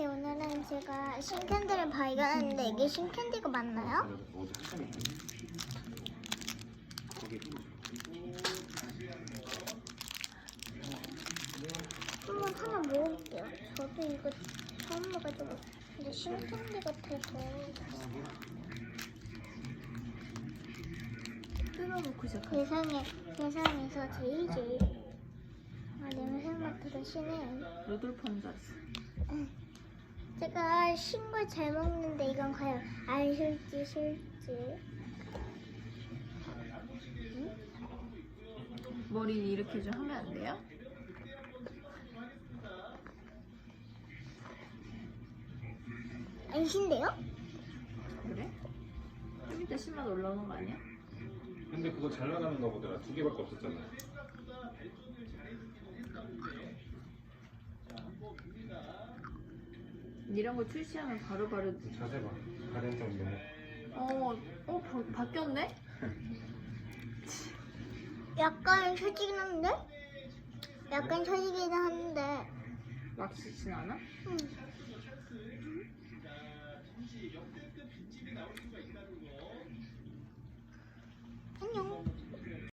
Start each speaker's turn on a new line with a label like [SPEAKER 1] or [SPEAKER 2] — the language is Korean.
[SPEAKER 1] 안녕하세요. 오늘은 제가 신캔디를 발견했는데 이게 신캔디가 맞나요? 한번 하나 먹어볼게요. 저도 이거 처음 먹어가지고 근데 신캔디 같아서
[SPEAKER 2] 뜯어놓고 시작해.
[SPEAKER 1] 세상에서 제일 냄새 맡아도 신해요.
[SPEAKER 2] 루돌프인 줄 알았어.
[SPEAKER 1] 제가 신 걸 잘 먹는데 이건 과연 안 싫지?
[SPEAKER 2] 머리 이렇게 좀 하면 안 돼요?
[SPEAKER 1] 안 신데요?
[SPEAKER 2] 그래? 좀 이따 10만 올라오는 거 아니야?
[SPEAKER 3] 근데 그거 잘 나가는가 보더라. 2개밖에 없었잖아.
[SPEAKER 2] 이런 거 출시하면 바로바로
[SPEAKER 3] 자세 봐. 가령 정도.
[SPEAKER 2] 바뀌었네?
[SPEAKER 1] 약간 처지긴 한데? 약간 처지긴 한데
[SPEAKER 2] 막 쓰진 않아?
[SPEAKER 1] 응.